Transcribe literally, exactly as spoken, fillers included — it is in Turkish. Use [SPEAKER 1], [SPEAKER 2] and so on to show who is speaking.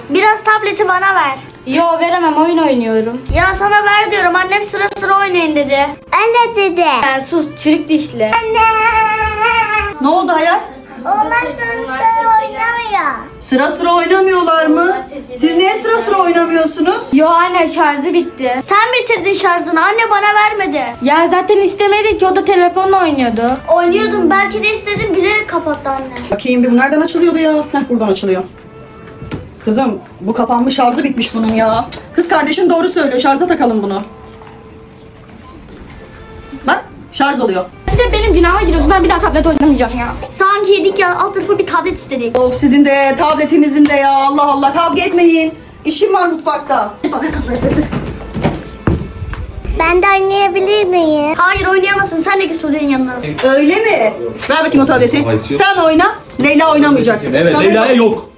[SPEAKER 1] Biraz tableti bana ver.
[SPEAKER 2] Yo veremem, oyun oynuyorum.
[SPEAKER 1] Ya sana ver diyorum. Annem sıra sıra oynayın dedi.
[SPEAKER 3] Anne dedi.
[SPEAKER 2] Sen sus çürük dişli.
[SPEAKER 3] Anne.
[SPEAKER 4] Ne oldu hayat?
[SPEAKER 3] Onlar sonuçta oynamıyor.
[SPEAKER 4] Sıra sıra oynamıyorlar mı? Siz niye sıra sıra oynamıyorsunuz?
[SPEAKER 2] Yo anne, şarjı bitti.
[SPEAKER 1] Sen bitirdin şarjını. Anne bana vermedi.
[SPEAKER 2] Ya zaten istemedi ki, o da telefonla oynuyordu.
[SPEAKER 1] Oynuyordum. Belki de istedim. Bilerek kapattı anne.
[SPEAKER 4] Bakayım bir bu nereden açılıyordu ya? Heh, buradan açılıyor. Kızım bu kapanmış, şarjı bitmiş bunun ya. Kız kardeşin doğru söylüyor, şarja takalım bunu. Bak şarj oluyor.
[SPEAKER 2] Siz de benim günahıma giriyorsunuz. Ben bir daha tablet oynamayacağım ya.
[SPEAKER 1] Sanki yedik ya. Alt tarafı bir tablet istedik.
[SPEAKER 4] Of sizin de tabletinizin de ya, Allah Allah, kavga etmeyin. İşim var mutfakta.
[SPEAKER 3] Ben de oynayabilir miyim?
[SPEAKER 1] Hayır oynayamazsın. Sen de git Sude'nin yanına.
[SPEAKER 4] Öyle mi? Ver bakayım o tableti. Sen oyna. Leyla oynamayacak.
[SPEAKER 5] Evet,
[SPEAKER 4] Sana
[SPEAKER 5] Leyla'ya yok.